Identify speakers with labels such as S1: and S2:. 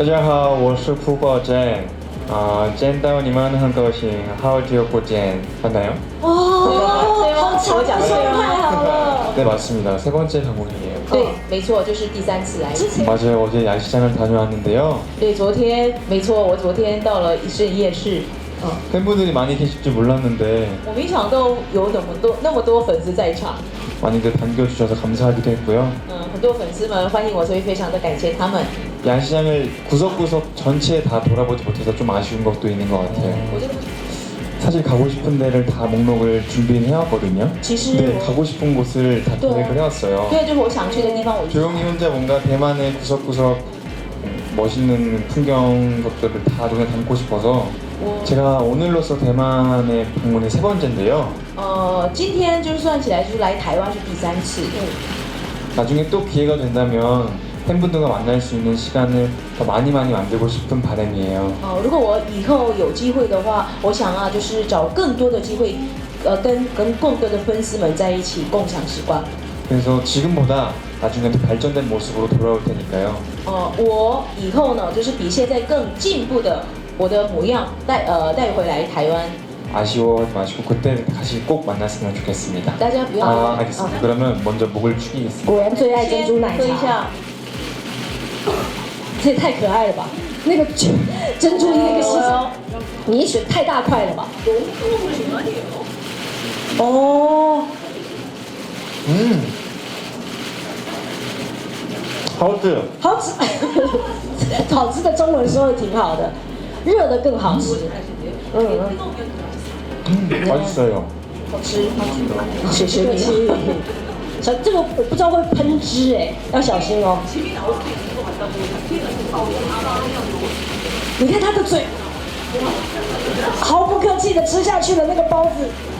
S1: 大家好，我是朴宝珍。见到你们很高兴，好久不见，맞나요？
S2: 好巧，
S3: 我讲对吗？
S2: 太好了。
S1: 네 맞습니다. 세 번째 방문이에요.
S3: 对，没错，就是第3次来。
S1: 맞아요. 어제 야시장을 다녀왔는데요.
S3: 对，昨天没错，我昨天到了一盛夜市。
S1: 팬분들이 많이 계실 줄 몰랐는데
S3: 我没想到有那么多粉丝在场。
S1: 많이들 반겨주셔서 감사하기도 했고요.
S3: 很多粉丝们欢迎我，所以非常的感谢他们。
S1: 야시장을 구석구석 전체 다 돌아보지 못해서 좀 아쉬운 것도 있는 것 같아요.
S3: 我觉得
S1: 사실 가고 싶은 데를 다 목록을 준비해왔거든요. 네, 가고 싶은 곳을 다 계획을 해왔어요.
S3: 对，就是我想去的地方，我
S1: 조용히 혼자 뭔가 대만의 구석구석 멋있는 풍경 것들을 다 눈에 담고 싶어서 제가 오늘로써 대만의 방문이 3번째인데요.
S3: 今天就算起来，就是来台湾是第3次。
S1: 나중에 또 기회가 된다면 팬분들과 만날 수 있는 시간을 더 많이 만들고 싶은 바람이에요.
S3: 如果我以后有机会的话，我想啊，就是找更多的机会，跟更多的粉丝们在一起共享时光。
S1: 그래서 지금보다 나중에 더 발전된 모습으로 돌아올 테니까요.
S3: 我以后呢，就是比现在更进步的我的模样带回来台湾。
S1: 아쉬워하지 마시고 그때 다시 꼭 만났으면 좋겠습니다.
S3: 大家不要
S1: 알겠습니다. 그러면 먼저 목을 축이겠습니다.
S2: 果然最爱珍珠奶
S3: 喝一
S2: 茶，
S3: 下。
S2: 这也太可爱了吧！那个珍珠那个是，你也选太大块了吧？哦，
S1: 好吃。
S2: 好吃，好吃的中文说的挺好的，热的更好吃。
S1: 맛있어요.
S3: 好吃，
S2: 谢谢你。小这个我不知道会喷汁哎，要小心哦。你看他的嘴，毫不客气的吃下去了那个包子。